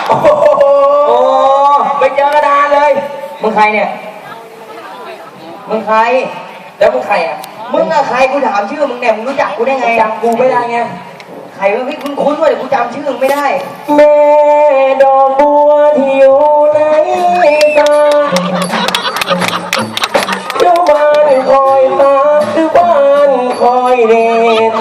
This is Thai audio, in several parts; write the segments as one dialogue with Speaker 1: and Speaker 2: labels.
Speaker 1: โอ้โหไปเจอกระดานเลยมึงใครเนี่ยมึงใครแล้วมึงใครอ่ะมึงอะใครกูถามชื่อมึงเนี่ยมึงรู้จักกูได้ไงจำกูไม่ได้ไงใครวะพี่คุ้นๆว่าเดี๋ยวกูจำชื่อมึงไม่ได้แม่ดอกบัวที่อยู่ในตาเจ้าบ้านคอยตาคือบ้านคอยเด่น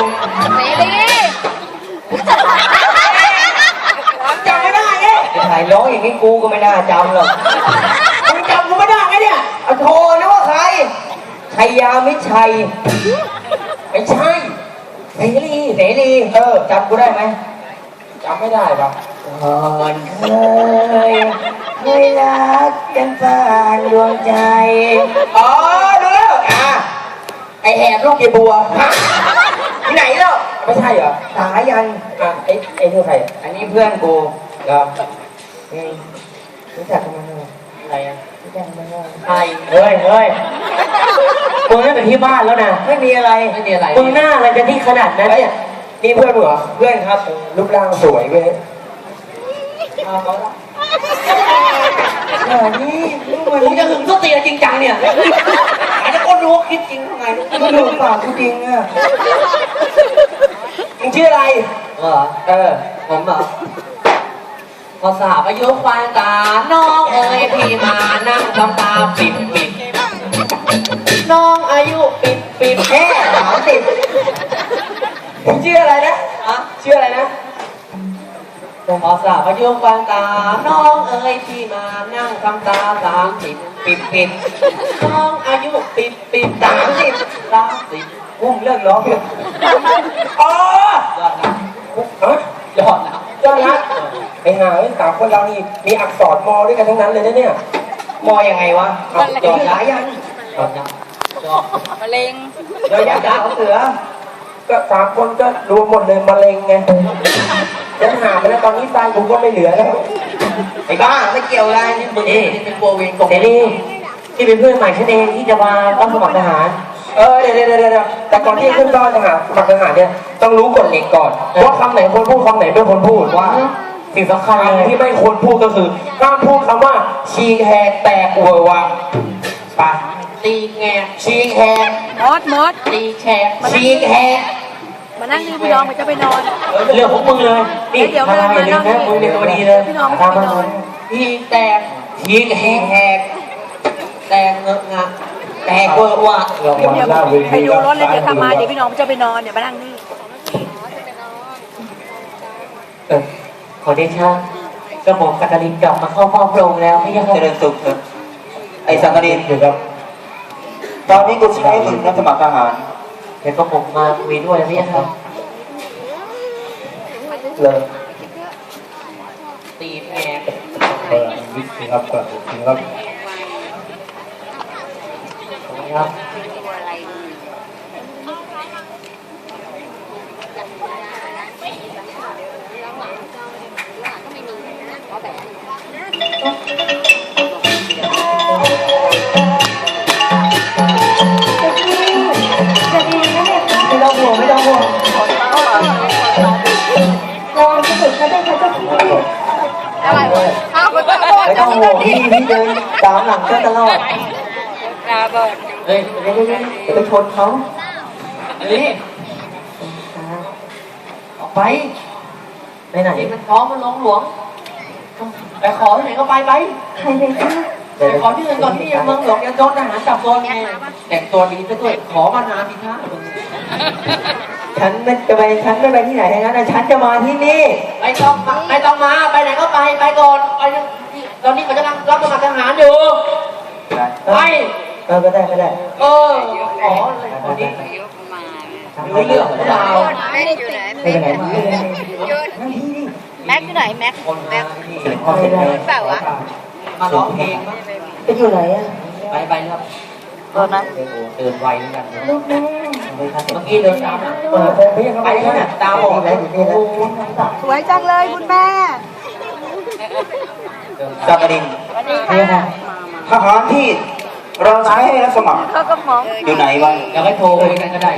Speaker 1: จำไม่ได้ไงถ่ายร้องอย่างนี้กูก็ไม่น่าจำหรอกมึงจำกูไม่ได้ไงเนี่ยเอาโทรนะว่าใครชัยยามิชัยไม่ใช่เสรีจำกูได้ไหมจำไม่ได้ปะก่อนเคยรักกันผ่านดวงใจอ๋อดูแล้วไอแหบลูกเยบัวที่ไหนแล้วไม่ใช่เหรอสายันไอ้เพื่อนใครอันนี้เพื่อนกูเหรอรู้จักกันมาเมื่อไหร่รู้จักกันมาเมื่อไหร่เฮ้ยมึงนั่นเป็นที่บ้านแล้วนะไม่มีอะไรมึงหน้าอะไรกันที่ขนาดนั้นเนี่ยนี่เพื่อนเหรอเพื่อนครับรูปร่างสวยเว้ยเขาละนี่มึงจะหึงส้นตีนจริงจังเนี่ยอาจจะคนรู้คิดจริงทำไงมึงดูปากกูจริงอ่ะมึงชื่ออะไรผมเหรอพอสาบอายุควายตาน้องเอ๋ยพี่มานั่งทำตาปิดน้องอายุปิดแค่30ผมชื่ออะไรนะชื่ออะไรนะพอสาบอายุควายตาน้องเอ๋ยพี่มานั่งทำตา30ปิดน้องอายุปิด30อุ้มเลิกร้องอ๋อยอดนะไอ้ห่าสามคนเรานี่มีอักษรมอด้วยกันทั้งนั้นเลยนะเนี่ยมอยังไงวะยอดยักษ์มะเร็งยอดยักษ์เสือก็สามคนก็รวมหมดเลยมะเร็งไงยังหาไปแล้วตอนนี้ตายกูก็ไม่เหลือแล้วไอ้บ้าไม่เกี่ยวอะไรนี่มึงเป็นโบเวนกบเสรีที่เป็นเพื่อนใหม่ฉันเองที่จะมารับสมัครทหารเดี๋ยวแต่ก่อนที่ขึ้นต้อนทหารสมัครทหารเนี่ยต้องรู้กฎเหล็กก่อนว่าคำไหนควรพูดคำไหนไม่ควรพูดว่าสิ่งสำคัญที่ไม่ควรพูดก็คือห้ามพูดคำว่าชีแหกแตกเวอร์วังปะตีแงชีแหกมดตีแขกชีแหก
Speaker 2: มานั่งนี่พี่น้องมันจะไปนอน
Speaker 1: เรื่องของมึงเลยนี่ทำไมอย่าลืมนะมึงเป็นตัวดีเลยตามมาชีแตกชีแหกแตกเงอะงะแตกเวอร์วัง
Speaker 2: เดี๋ยวไปดูรถเลยเดี๋ยวทำมาเดี๋ยวพี่น้องจะไปนอนเดี๋ยวมานั่งนี่
Speaker 1: ขอเดชะกระหม่อมสักกลินกลับมาเข้าเฝ้าพระองค์แล้วไม่ยังเจริญสุขไอ้สักกลินครับ
Speaker 3: ตอนนี้กูใช้มึงรับสมัครทหาร
Speaker 1: เดี๋ยวกระหม่อมมาคุยด้วยไม่ยังครับ
Speaker 3: เลย
Speaker 1: ตีแพง
Speaker 3: วิธีครับ
Speaker 1: ครับไม่ต้องห่วง
Speaker 2: ลองจะฝึกเขาได้เขาจะคิดอะไรวะไม่
Speaker 1: ต้องห่วงพี่เดินตามหลังก็ตลอดเฮ้ยไปชนเขานี่ออกไปไหนมันท้องมันหลวงไปขอที่ไหนก็ไป
Speaker 2: ใครเลยคะ
Speaker 1: ไปขอที่อื่นก่อนที่ยังเมืองหลวงยังโดนทหารจับตัวไงแต่งตัวดีซะด้วยขอมานานทีท่าฉันไม่ไปที่ไหนทั้งนั้นนะฉันจะมาที่นี่ไม่ต้องมาไปไหนก็ไปก่อนไปตอนนี้เขาจะรับสมัครทหารอยู่ไปก็ได้ขอเลยคนนี้รู้เรื่องของเรา
Speaker 2: ไปไหนมาแม็กอยู่ไหนแม็กเปล่าวะ
Speaker 1: มาร้องเพลง
Speaker 2: ไปอยู่ไหนอ่ะ
Speaker 1: ไปครับตอนนั้นเดินไวเหมือนกัน
Speaker 2: ลูกแม่
Speaker 1: เมื่อกี้เดินตามไปแล้วเนี่ยตาบอดแล้ว
Speaker 2: สวยจังเลยคุณแม่
Speaker 3: จักรินทหารที่เราใช้ให้รับสมัครอยู่ไหนวะ
Speaker 1: อยากให้โทรคุยกันก็ได้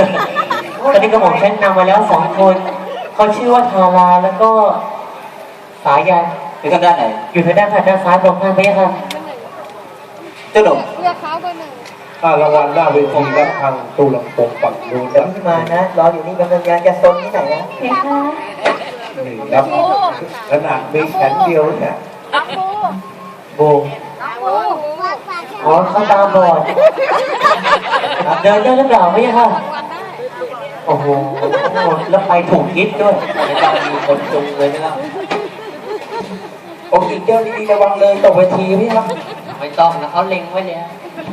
Speaker 1: ตอนนี้กระหม่อมฉันนำมาแล้ว2 คนเขาชื่อว่าทาราแล้วก็สายยัน
Speaker 3: อยู่ทางด้านไหน
Speaker 1: อยู่ทางด้านซ้ายตรงข้ามพระยาค่ะ
Speaker 3: เจ้าหนุ่ม
Speaker 2: เลือกเขาเบอร์หนึ่ง
Speaker 4: รางวัลหน้าเวทีครับทางตู้ลำโพงฝั่งนู้นครับ
Speaker 1: ที่มานะรออยู่นี่กำลังจะซนที่ไหนนะ
Speaker 2: เพคะ
Speaker 4: นี่ครับขนาดมีแขนเดียวเนี่ย
Speaker 2: อาปู
Speaker 1: โบ
Speaker 2: อาปู
Speaker 1: อ๋อเขาตาบอดเดินได้หรือเปล่าพระยาค่ะโอ้โหแล้วไปถูกทิศด้วยจะมีคนจุงเลยนะครับ
Speaker 4: โอ้ยเจ้าดีๆระวังเลยตกเวทีพี่ครับ
Speaker 1: ไม่ต้องนะเขาเล็งไว้แล้ว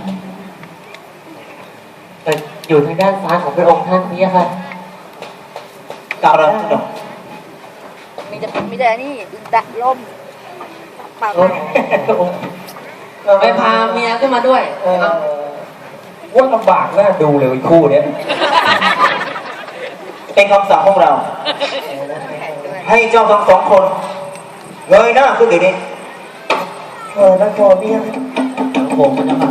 Speaker 1: แต่อยู่ทางด้านซ้ายของพระองค์ท่านพระยาค่ะ
Speaker 3: กล่าวเราเจ้าหนุ่ม
Speaker 2: มีแต่นี่ดักลมปาก
Speaker 1: ไปพาเมียขึ้นมาด้วย
Speaker 4: ว่าลำบากน่าดูเลยคู่เนี้ย
Speaker 3: เป็นคำสั่งของเรา ให้เจ้าทั้งสองคนเงยหน้าขึ้นเดี๋ยวนี้
Speaker 1: นักโทษเนี่ยผมมันจะมา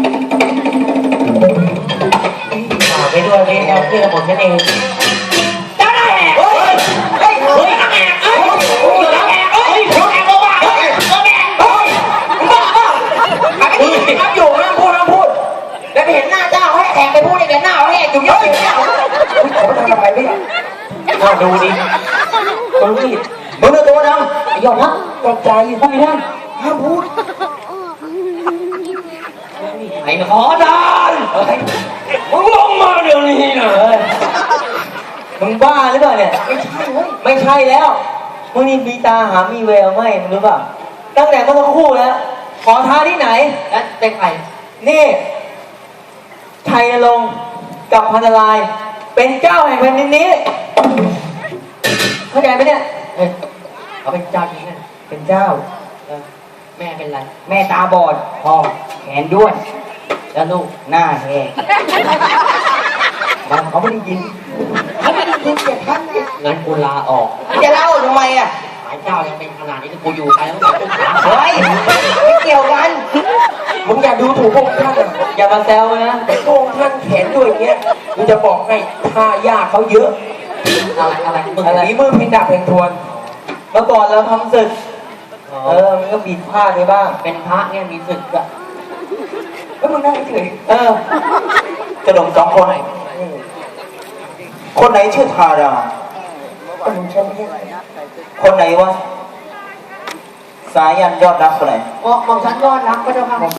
Speaker 1: ฝากไปด้วยนี่นะที่ระบบนั่นเองเจ้าได้แหกเฮ้ยเฮ้ยเฮ้ยแหกเฮ้ยแหกเฮ้ยแหกบ้าเฮ้ยแหกเฮ้ยบ้าครับอยู่ห้ามพูดแล้วไปเห็นหน้าเจ้าให้แหกไปพูดในหน้าแหกอยู่เยอะอยู่เนี่ย
Speaker 4: เขาทำอะไรไม่
Speaker 1: เอาดูดิมึงนี่
Speaker 3: มึงเอาตัวด
Speaker 1: ไอ้ยอดนะตกใจทำไมได้ห้ามพูดไอ้ขอดานมึงลงมาเดี๋ยวนี้นะมึงบ้าหรือเปล่าเนี่ยไม่ใช่เฮ้ยไม่ใช่แล้วมึงนี่มีตาหามีแววไหมมึงรู้ป่ะตั้งแต่เมื่อสักครู่แล้วขอท้าที่ไหนแล้วเป็นใครนี่ชัยนรงค์กับพันนารายณ์เป็นเจ้าแห่งแผ่นดินนี้เข้าใจไหมเนี่ยเขาเป็นเจ้าจริงนะเป็นเจ้าแม่เป็นไรแม่ตาบอดพ่อแขนด้วนแล้วลูกหน้าแหกมันเขาไม่ได้ยินเขาไม่ได้ยินเสียท่านเนี่ยงั้นกูลาออกจะลาออกทำไมอ่ะหายเจ้ายังเป็นขนาดนี้กูอยู่ใครต้องตุ้มขาเฮ้ยไม่เกี่ยวกันมึงอย่าดูถูกพวกท่านอย่ามาแซวนะพวกท่านแขนด้วยอย่างเงี้ยกูจะบอกให้ท่ายากเขาเยอะอะไรมึงอะไรมือเพลงดาบเพลงทวนเมื่อก่อนเราทำศึกมันก็บิดผ้าได้บ้างเป็นพระเนี่ยมีศึกอะแล้วมึงนั่งเฉย
Speaker 3: ำเจ้าหนุ่มสองคน คนไหนชื่อทารา
Speaker 1: มึงใช่ไหมเนี่ย
Speaker 3: คนไหนวะสายันยอดรักคนไหน
Speaker 1: มองฉันยอดรักก็เจ้าค่ะ